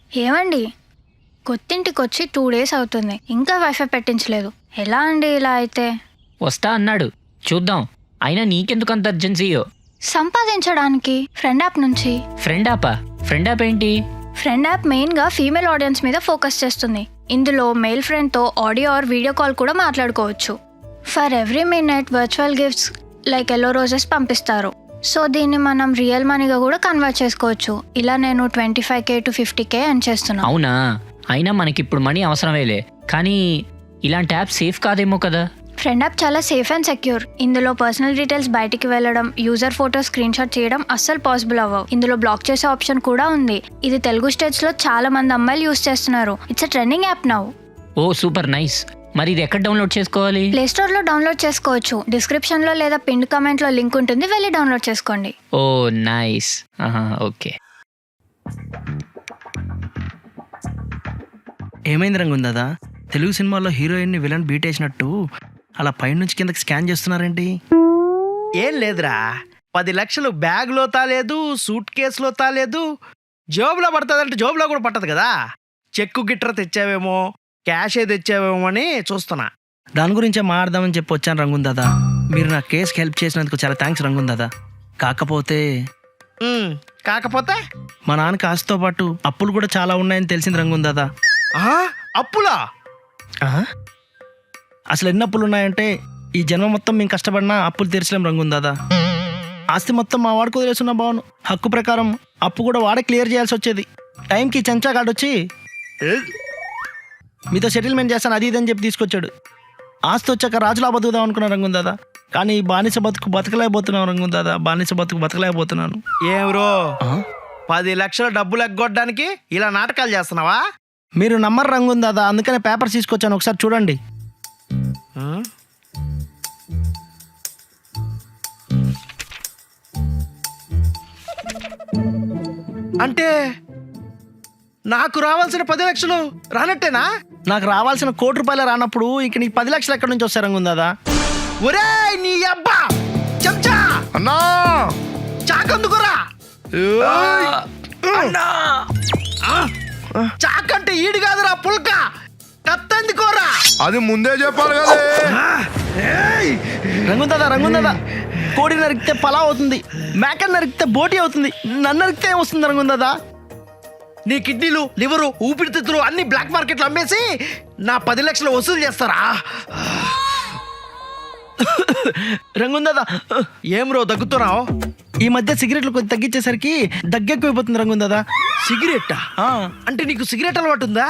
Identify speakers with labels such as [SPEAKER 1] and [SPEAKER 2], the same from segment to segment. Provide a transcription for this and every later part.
[SPEAKER 1] ఏమండి, కొత్తింటికి వచ్చి 2 days అవుతుంది, ఇంకా వైఫై పెట్టించలేదు. ఎలా అండి ఇలా అయితే?
[SPEAKER 2] వస్తా అన్నాడు, చూద్దాం. అయినా నీకెందుకు అంత అర్జెన్సీయో?
[SPEAKER 1] సంపాదించడానికి ఫ్రెండ్ యాప్ నుంచి.
[SPEAKER 2] ఫ్రెండ్ యాప్ ఏంటి?
[SPEAKER 1] ఫ్రెండ్ యాప్ మెయిన్గా ఫీమేల్ ఆడియన్స్ మీద ఫోకస్ చేస్తుంది. ఇందులో మెయిల్ ఫ్రెండ్తో ఆడియో ఆర్ వీడియో కాల్ కూడా మాట్లాడుకోవచ్చు. For every minute virtual gifts like yellow roses పంపిస్తారు. సో దీన్ని మనం రియల్ మనీగా కూడా కన్వర్ట్ చేసుకోవచ్చు. ఇలా నేను 25K to 50K అని చేస్తున్నాను.
[SPEAKER 2] అవునా? అయినా మనకిప్పుడు మనీ అవసరమేలే, కానీ ఇలాంటి యాప్ సేఫ్ కాదేమో కదా?
[SPEAKER 1] ఫ్రెండ్ యాప్ చాలా సేఫ్ అండ్ సెక్యూర్. ఇందులో పర్సనల్ డీటెయిల్స్ బయటికి వెళ్ళడం, యూజర్ ఫోటో స్క్రీన్ షాట్ చేయడం అస్సలు పాసిబుల్ అవ్వవు. ఇందులో బ్లాక్ చేసే ఆప్షన్ కూడా ఉంది. ఇది తెలుగు స్టేట్స్ లో చాలా మంది అమ్మాయిలు యూజ్ చేస్తున్నారు. It's a trending app now.
[SPEAKER 2] Oh super nice. మరి ఇది ఎక్కడ డౌన్లోడ్ చేసుకోవాలి?
[SPEAKER 1] ప్లే స్టోర్ లో డౌన్లోడ్ చేసుకోవచ్చు. డిస్క్రిప్షన్ లో లేదా పిన్ కమెంట్ లో లింక్ ఉంటుంది, వెళ్ళి డౌన్లోడ్ చేసుకోండి.
[SPEAKER 2] Oh nice. ఓకే.
[SPEAKER 3] ఏమైంది రంగుందా? తెలుగు సినిమాల్లో హీరోయిన్ని విలన్ బీట్ వేసినట్టు అలా పైనుంచి కిందకి స్కాన్ చేస్తున్నారేంటి?
[SPEAKER 4] ఏం లేదురా, 10 లక్షలు బ్యాగ్లో తాలేదు, సూట్ కేసులో తాలేదు, జోబులో పడుతుందంటే జోబులో కూడా పట్టదు కదా. చెక్కు గిట్ర తెచ్చావేమో, క్యాషే తెచ్చావేమో అని చూస్తున్నా.
[SPEAKER 3] దాని గురించే మాట్లాడదామని చెప్పి వచ్చాను రంగుందా. మీరు నా కేసుకి హెల్ప్ చేసినందుకు చాలా థ్యాంక్స్ రంగుందా. కాకపోతే మా నాన్నకి ఆస్తితో పాటు అప్పులు కూడా చాలా ఉన్నాయని తెలిసింది రంగుందా.
[SPEAKER 4] అప్పులా?
[SPEAKER 3] అసలు ఎన్ని అప్పులు ఉన్నాయంటే ఈ జన్మ మొత్తం మేము కష్టపడినా అప్పులు తీర్చలేం రంగుందా. ఆస్తి మొత్తం మా వాడికి వదిలేస్తున్నా బావును. హక్కు ప్రకారం అప్పు కూడా వాడే క్లియర్ చేయాల్సి వచ్చేది. టైంకి చెంచా కార్డు వచ్చి మీతో సెటిల్మెంట్ చేస్తాను అది ఇదని చెప్పి తీసుకొచ్చాడు. ఆస్తి వచ్చాక రాజులా బతుకుదాం అనుకున్నా రంగుందా. కానీ బానిస బతుకు బతకలేకపోతున్నాను రంగుందా. బానిస బతుకు బతకలేకపోతున్నాను.
[SPEAKER 4] ఏం బ్రో, 10 లక్షల డబ్బులు ఎగ్గొట్టడానికి ఇలా నాటకాలు చేస్తున్నావా?
[SPEAKER 3] మీరు నమ్మరు రంగుందా, అందుకనే పేపర్స్ తీసుకొచ్చాను, ఒకసారి చూడండి.
[SPEAKER 4] అంటే నాకు రావాల్సిన 10 లక్షలు రానట్టేనా?
[SPEAKER 3] నాకు రావాల్సిన ₹1,00,00,000 రానప్పుడు ఇంక నీకు 10 లక్షలు ఎక్కడి నుంచి వస్తాయి రంగుందా.
[SPEAKER 4] ఒరే నీ అబ్బా చెంచా
[SPEAKER 5] అన్నా
[SPEAKER 4] చాకందుకురా. చాకంటే ఈడు కాదురా, పుల్క కత్తందుకోరా.
[SPEAKER 5] అది ముందే చెప్పాలి కదా.
[SPEAKER 3] రంగుందా కోడి నరికితే పలావ్ అవుతుంది, మేకని నరికితే బోటి అవుతుంది, నన్ను నరికితే ఏమొస్తుంది రంగుందా.
[SPEAKER 4] నీ కిడ్నీలు, లివరు, ఊపిరితిత్తులు అన్ని బ్లాక్ మార్కెట్లో అమ్మేసి నా 10 లక్షలు వసూలు చేస్తారా?
[SPEAKER 3] రంగుందా.
[SPEAKER 4] ఏం రో దగ్గుతున్నావు?
[SPEAKER 3] ఈ మధ్య సిగరెట్లు కొంచెం తగ్గించేసరికి దగ్గెక్కువైపోతుంది రంగుందా.
[SPEAKER 4] సిగరెట్టా? అంటే నీకు సిగరెట్ అలవాటు ఉందా?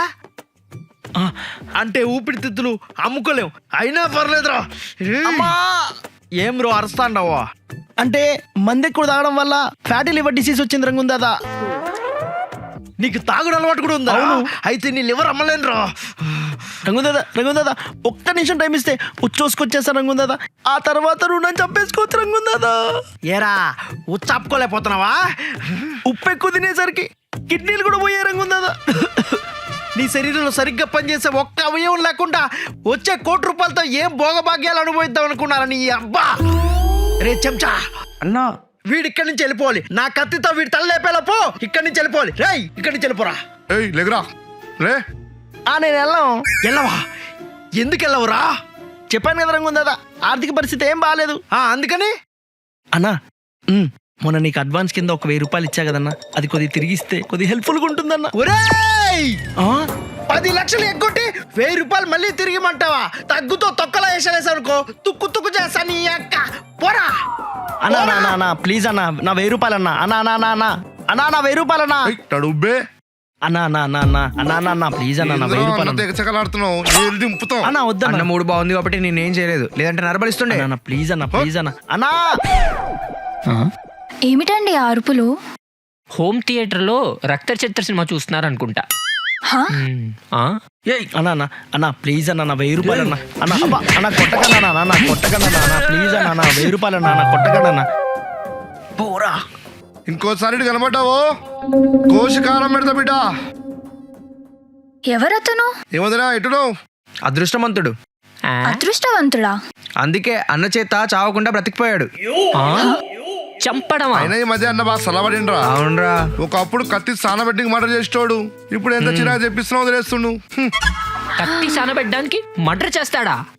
[SPEAKER 4] అంటే ఊపిరితిత్తులు అమ్ముకోలేవు, అయినా పర్లేదురా. ఏం రో అరుస్తాండవా?
[SPEAKER 3] అంటే మంది ఎక్కువ తాగడం వల్ల ఫ్యాటీ లివర్ డిసీజ్ వచ్చింది రంగుందా.
[SPEAKER 4] నీకు తాగుడు అలవాటు కూడా ఉందా? అయితే నీ లివర్ అమ్మలేనురా.
[SPEAKER 3] రంగుందా ఒక్క నిమిషం టైం ఇస్తే ఉచ్చోసుకొచ్చేస్తా రంగుందా. ఆ తర్వాత రుణం చంపేసుకోవచ్చు రంగుందా.
[SPEAKER 4] ఏరా ఉచ్చాపుకోలేకపోతున్నావా?
[SPEAKER 3] ఉప్పు ఎక్కువ తినేసరికి కిడ్నీలు కూడా పోయే రంగుందా.
[SPEAKER 4] నీ శరీరంలో సరిగ్గా పనిచేసే ఒక్క అవయవం లేకుండా వచ్చే ₹1,00,00,000తో ఏం భోగభాగ్యాలు అనుభవిద్దాం అనుకున్నారా నీ అబ్బా. రే చెంచా
[SPEAKER 3] అన్నా,
[SPEAKER 4] వీడి ఇక్కడి నుంచి వెళ్ళిపోవాలి. నా కత్తితో వీడి తల లేపేలోపో ఇక్కడి నుంచి వెళ్ళిపోవాలి. రేయ్ ఇక్కడి నుంచి వెళ్ళిపోరా.
[SPEAKER 5] ఏయ్ లేకరా లే.
[SPEAKER 3] నేను
[SPEAKER 4] వెళ్ళవా? ఎందుకు వెళ్ళవురా?
[SPEAKER 3] చెప్పాను కదా రంగుందా, ఆర్థిక పరిస్థితి ఏం బాగాలేదు.
[SPEAKER 4] అందుకని
[SPEAKER 3] అన్నా మొన్న నీకు అడ్వాన్స్ కింద ఒక ₹1,000 ఇచ్చా కదన్నా, అది కొద్దిగా తిరిగిస్తే కొద్దిగా హెల్ప్ఫుల్గా ఉంటుందన్నా.
[SPEAKER 4] ఒరేయ్ 10 లక్షలు ఎగ్గొట్టి ₹1,000 మళ్ళీ తిరిగిమంటావా? తగ్గుతో తొక్కలా వేసానుకో తుక్కు తుక్కు చేస్తా నీ అక్క. పోరా
[SPEAKER 3] అన్నా ప్లీజ్ అన్నా, నా ₹1,000 అన్నా. అన్నా నా ₹1,000 అన్నా.
[SPEAKER 5] తడుబ్బే
[SPEAKER 3] అన్నా ప్లీజ్ అన్నా, నా ₹1,000
[SPEAKER 5] తెగచకలాడుతున్నావు. దింపుతావు
[SPEAKER 3] అన్నా. వద్దన్న,
[SPEAKER 6] మూడు బాగుంది కాబట్టి నేనేం చేయలేదు, లేదంటే నరబలిస్తుండే.
[SPEAKER 3] ప్లీజ్ అన్నా అన్నా.
[SPEAKER 1] ఏమిటండి ఆ అరుపులు?
[SPEAKER 2] హోమ్ థియేటర్లో రక్త చిత్ర సినిమా చూస్తున్నారు అనుకుంటా.
[SPEAKER 3] అన్నా ప్లీజ్ అన్నా, నా ₹1,000 అన్నా. అన్నా కొట్టకన్నా ప్లీజ్ అన్నా, నా ₹1,000 అన్నా కొట్టకన్నా. పోరా,
[SPEAKER 5] ఇంకోసారి కనబడ్డావో కోశకారం పెడతా బిడ్డ.
[SPEAKER 1] ఎవరతను?
[SPEAKER 5] ఏమదిరా ఎటును?
[SPEAKER 6] అదృష్టవంతుడు.
[SPEAKER 1] అదృష్టవంతుడా?
[SPEAKER 6] అందుకే అన్న చేత చావకుండా బ్రతికిపోయాడు.
[SPEAKER 2] చంపడమా?
[SPEAKER 5] అయినా ఈ మధ్య అన్న బాగా సలబడిండ్రా.
[SPEAKER 6] అవునరా.
[SPEAKER 5] ఒకప్పుడు కత్తి సాన పెట్టి మర్డర్ చేసేటోడు ఇప్పుడు ఎంత చిరాకు చెప్పిస్తున్నావు వదిలేస్తుండు.
[SPEAKER 2] కత్తి సానబెట్టడానికి మర్డర్ చేస్తాడా?